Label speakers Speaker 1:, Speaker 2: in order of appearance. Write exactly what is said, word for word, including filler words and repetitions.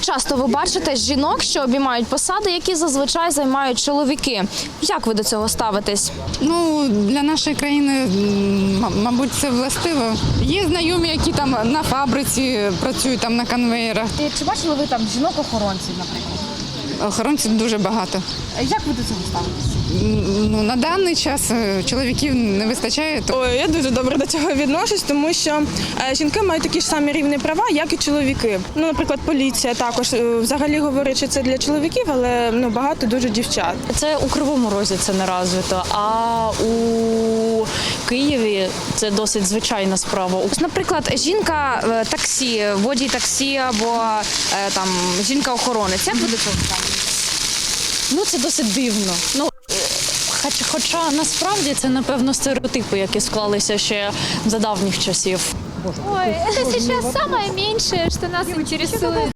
Speaker 1: часто ви бачите жінок, що обіймають посади, які зазвичай займають чоловіки. Як ви до цього ставитесь?
Speaker 2: Ну, для нашої країни, м- мабуть, це властиво. Є знайомі, які там на фабриці працюють, там на конвеєрах.
Speaker 1: Чи бачили ви там жінок-охоронців, наприклад?
Speaker 2: Охоронців дуже багато.
Speaker 1: Як ви до цього ставитесь?
Speaker 2: Ну, на даний час е, чоловіків не вистачає. то-
Speaker 3: Ой, я дуже добре до цього відношусь, тому що е, жінки мають такі ж самі рівні права, як і чоловіки. Ну, наприклад, поліція також е, взагалі говорить, що це для чоловіків, але ну багато дуже дівчат.
Speaker 4: Це у Кривому Розі це не розвито, а у Києві це досить звичайна справа.
Speaker 1: Наприклад, жінка е, таксі, водій таксі або е, там жінка-охоронець. Як ви до цього ставитесь?
Speaker 4: Ну це досить дивно. Ну е, хоч, хоча насправді це напевно стереотипи, які склалися ще за давніх часів.
Speaker 5: Ой, это сейчас самое меньшее, что нас интересует.